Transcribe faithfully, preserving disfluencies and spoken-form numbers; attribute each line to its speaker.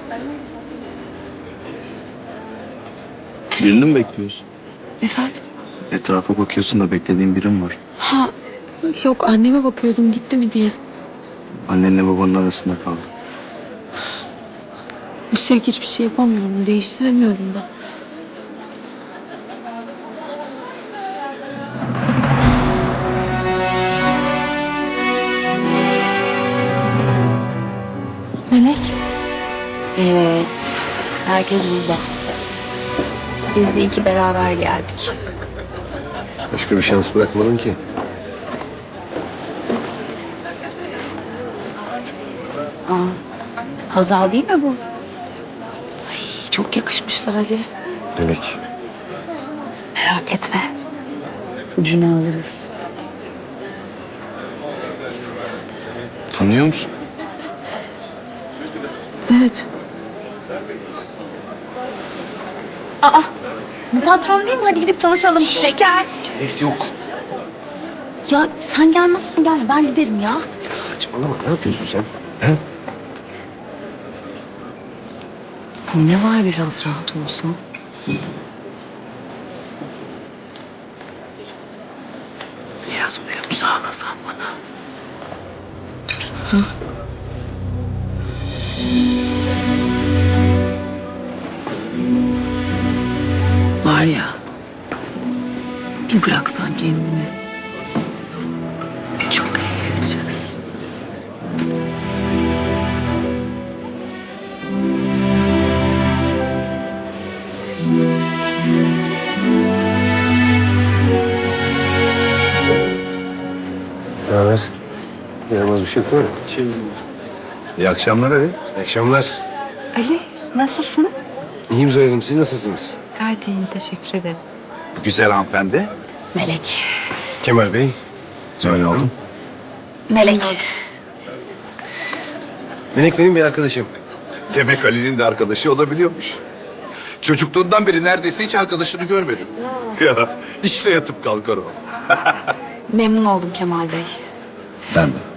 Speaker 1: Birini mi bekliyorsun?
Speaker 2: Efendim?
Speaker 1: Etrafa bakıyorsun da beklediğin birim var.
Speaker 2: Ha, yok anneme bakıyordum gitti mi diye.
Speaker 1: Annenle babanın arasında kaldı.
Speaker 2: Üstelik hiçbir şey yapamıyorum, değiştiremiyorum da. Melek.
Speaker 3: Evet, herkes burada. Biz de iki beraber geldik.
Speaker 4: Başka bir şans bırakmadın ki.
Speaker 3: Aa, Hazal değil mi bu? Ay, çok yakışmışlar Ali.
Speaker 4: Melek.
Speaker 3: Merak etme. Ucunu alırız.
Speaker 1: Tanıyor musun?
Speaker 2: Evet.
Speaker 3: Aa, bu patron değil mi? Hadi gidip tanışalım. Şeker.
Speaker 4: Gerek yok.
Speaker 3: Ya sen gelmezsen gel, ben giderim ya.
Speaker 4: Saçmalama. Ne yapıyorsun sen? He?
Speaker 3: Ne var biraz rahat olsan? Biraz uyum sağlasan bana. Hı? Var ya, bir bıraksan kendini. Çok eğleneceğiz.
Speaker 4: Ne haber? Yaramaz bir şey yok değil mi?
Speaker 1: Şey,
Speaker 4: İyi akşamlar hadi. İyi akşamlar.
Speaker 3: Ali, nasılsın?
Speaker 4: İyiyim Zoya Hanım. Siz nasılsınız?
Speaker 3: Gayet iyiyim, teşekkür ederim.
Speaker 4: Güzel hanımefendi.
Speaker 3: Melek.
Speaker 4: Kemal Bey. Zoya Hanım.
Speaker 3: Melek.
Speaker 4: Melek benim bir arkadaşım.
Speaker 5: Demek Ali'nin de arkadaşı olabiliyormuş. Çocukluğundan beri neredeyse hiç arkadaşını görmedim. Ya işte yatıp kalkar o.
Speaker 3: Memnun oldum Kemal Bey.
Speaker 5: Ben de.